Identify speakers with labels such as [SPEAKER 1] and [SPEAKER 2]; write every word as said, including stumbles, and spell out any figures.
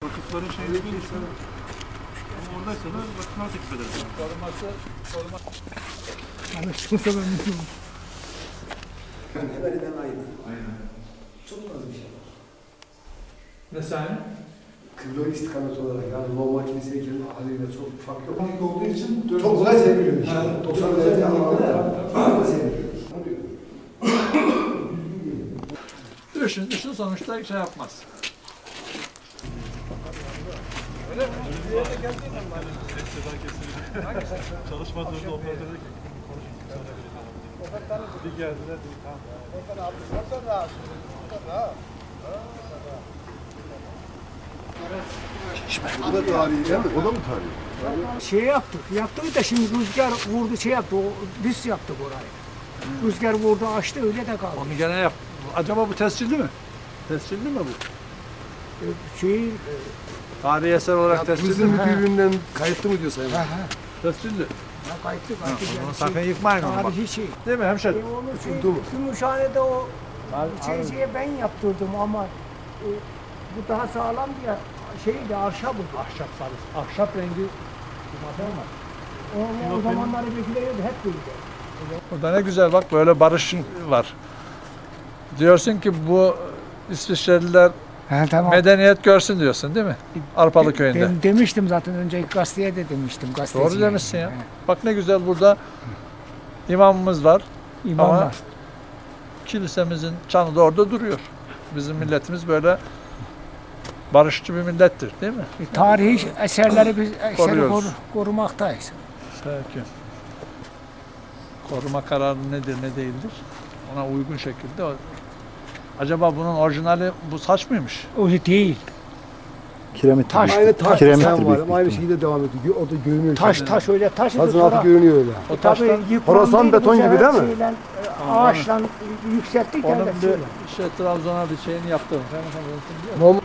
[SPEAKER 1] Vakıfların şeyini bilirsin. Ama oradaysa da vakıflar teklif edersin.
[SPEAKER 2] Koruması, koruması.
[SPEAKER 3] Anlaşılırsa ben mutluyum.
[SPEAKER 4] Hemen hemen aynı.
[SPEAKER 1] Aynen.
[SPEAKER 4] Çok az bir şey var.
[SPEAKER 2] Ne sahne?
[SPEAKER 4] Kıble istikamet olarak yani normal kiliseyken haliyle çok fark yok. Panik olduğu için çok kolay seviliyor işte. doksan derece anlamda seviliyor.
[SPEAKER 2] Düşün, düşün sonuçta şey yapmaz.
[SPEAKER 1] Öyle mi? Bir yere geldiğin mi? Ses seda kesildi. Çalışmadığında operatörde konuştuk. Bir geldiler dedik tamam. Oradan abi, oradan rahat. Oradan rahat.
[SPEAKER 4] Bu da tarihi değil mi? O da mı tarihi?
[SPEAKER 3] Şey yaptık, yaptık da şimdi rüzgar vurdu şey yaptı, o biz yaptık orayı. Rüzgar vurdu açtı öyle de kaldı.
[SPEAKER 2] Onu gene yap. Acaba bu tescilli mi? Tescilli mi bu?
[SPEAKER 3] Ee, Şey,
[SPEAKER 2] Tarihi eser olarak tescilli
[SPEAKER 4] Turizm
[SPEAKER 2] mi?
[SPEAKER 4] müdürlüğünden kayıtlı mı diyor Sayın
[SPEAKER 3] ha
[SPEAKER 4] Bakan?
[SPEAKER 3] ha,
[SPEAKER 2] Tescilli.
[SPEAKER 3] ha kayıtlı kayıtlı.
[SPEAKER 2] Onu
[SPEAKER 3] yani
[SPEAKER 2] sakın
[SPEAKER 3] şey,
[SPEAKER 2] yıkmayın onu bak.
[SPEAKER 3] tarihi şey.
[SPEAKER 2] Değil mi hemşerim?
[SPEAKER 3] E onu şey,
[SPEAKER 4] Tutuldu mu?
[SPEAKER 3] Gümüşhane'de o
[SPEAKER 2] Abi,
[SPEAKER 3] şeyciye ben yaptırdım ama e, bu daha sağlam diye şeydi ahşap bu.
[SPEAKER 2] Ahşap sarısı. Ahşap rengi.
[SPEAKER 3] O, o zamanları bekliyordu hep böyle.
[SPEAKER 2] Burada ne güzel bak böyle barış var. Diyorsun ki bu İsviçreliler
[SPEAKER 3] Ha, tamam.
[SPEAKER 2] medeniyet görsün diyorsun değil mi? Arpalı köyünde.
[SPEAKER 3] Ben demiştim zaten önceki gazeteye de demiştim.
[SPEAKER 2] Doğru demişsin ya. Bak ne güzel burada imamımız var.
[SPEAKER 3] İmam
[SPEAKER 2] Ama
[SPEAKER 3] var.
[SPEAKER 2] kilisemizin çanı da orada duruyor. Bizim milletimiz böyle barışçı bir millettir değil mi?
[SPEAKER 3] E, tarihi eserleri biz eseri
[SPEAKER 2] Koruyoruz.
[SPEAKER 3] koru, korumaktayız.
[SPEAKER 2] Peki. Koruma kararı nedir ne değildir? Ona uygun şekilde. o- Acaba bunun orijinali bu saç mıymış?
[SPEAKER 3] O değil.
[SPEAKER 5] Kiremit.
[SPEAKER 3] Taş,
[SPEAKER 4] Aynı taş
[SPEAKER 5] Kiremittir
[SPEAKER 4] desen
[SPEAKER 5] büyük
[SPEAKER 4] var
[SPEAKER 5] bir
[SPEAKER 4] ama aynı
[SPEAKER 5] ihtimal.
[SPEAKER 4] şekilde devam ediyor. O da görünüyor.
[SPEAKER 3] Taş taş öyle taş.
[SPEAKER 4] Tazın altı görünüyor öyle.
[SPEAKER 2] O
[SPEAKER 3] Tabii
[SPEAKER 2] taştan
[SPEAKER 3] yıprandı,
[SPEAKER 4] Horasan
[SPEAKER 3] bu
[SPEAKER 4] beton gibi
[SPEAKER 3] sefer
[SPEAKER 4] değil mi?
[SPEAKER 3] şeyle, e, ağaçla yükselttik.
[SPEAKER 2] onun
[SPEAKER 3] yani
[SPEAKER 2] bir
[SPEAKER 3] şeyle.
[SPEAKER 2] şey Trabzon'a bir şeyini yaptım.
[SPEAKER 4] Normal